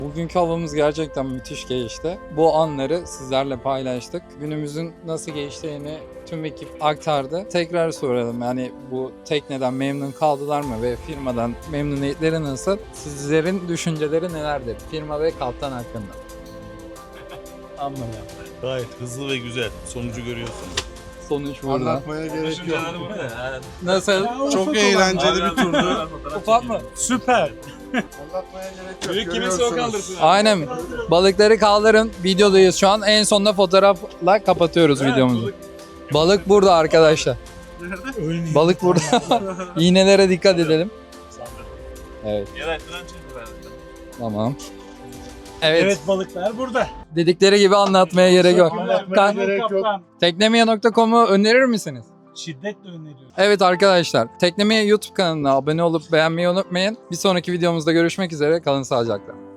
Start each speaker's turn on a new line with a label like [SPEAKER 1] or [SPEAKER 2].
[SPEAKER 1] Bugünkü havamız gerçekten müthiş geçti. Bu anları sizlerle paylaştık. Günümüzün nasıl geçtiğini tüm ekip aktardı. Tekrar soralım, yani bu tekneden memnun kaldılar mı ve firmadan memnuniyetleri nasıl? Sizlerin düşünceleri nelerdir firma ve kaptan hakkında? Anlamıyorum.
[SPEAKER 2] Gayet hızlı ve güzel. Sonucu görüyorsun.
[SPEAKER 1] Sonuç burada.
[SPEAKER 3] Anlatmaya gerek yok.
[SPEAKER 1] Nasıl?
[SPEAKER 3] Çok eğlenceli bir turdu.
[SPEAKER 1] Ufak mı?
[SPEAKER 4] Süper.
[SPEAKER 3] Anlatmaya gerek yok.
[SPEAKER 4] Büyük kimisi o kaldırsın.
[SPEAKER 1] Aynen. Balıkları kaldırın. Videodayız şu an. En sonunda fotoğrafla kapatıyoruz videomuzu. Balık burada arkadaşlar. Balık burada. İğnelere dikkat edelim. Evet. Tamam. Evet.
[SPEAKER 4] Evet, balıklar burada.
[SPEAKER 1] Dedikleri gibi anlatmaya gerek yok.
[SPEAKER 3] Anlatmaya gerek yok.
[SPEAKER 4] Kaptan.
[SPEAKER 1] Teknemeye.com'u önerir misiniz?
[SPEAKER 4] Şiddetle öneriyorum.
[SPEAKER 1] Evet arkadaşlar. Teknemeye YouTube kanalına abone olup beğenmeyi unutmayın. Bir sonraki videomuzda görüşmek üzere. Kalın sağlıcakla.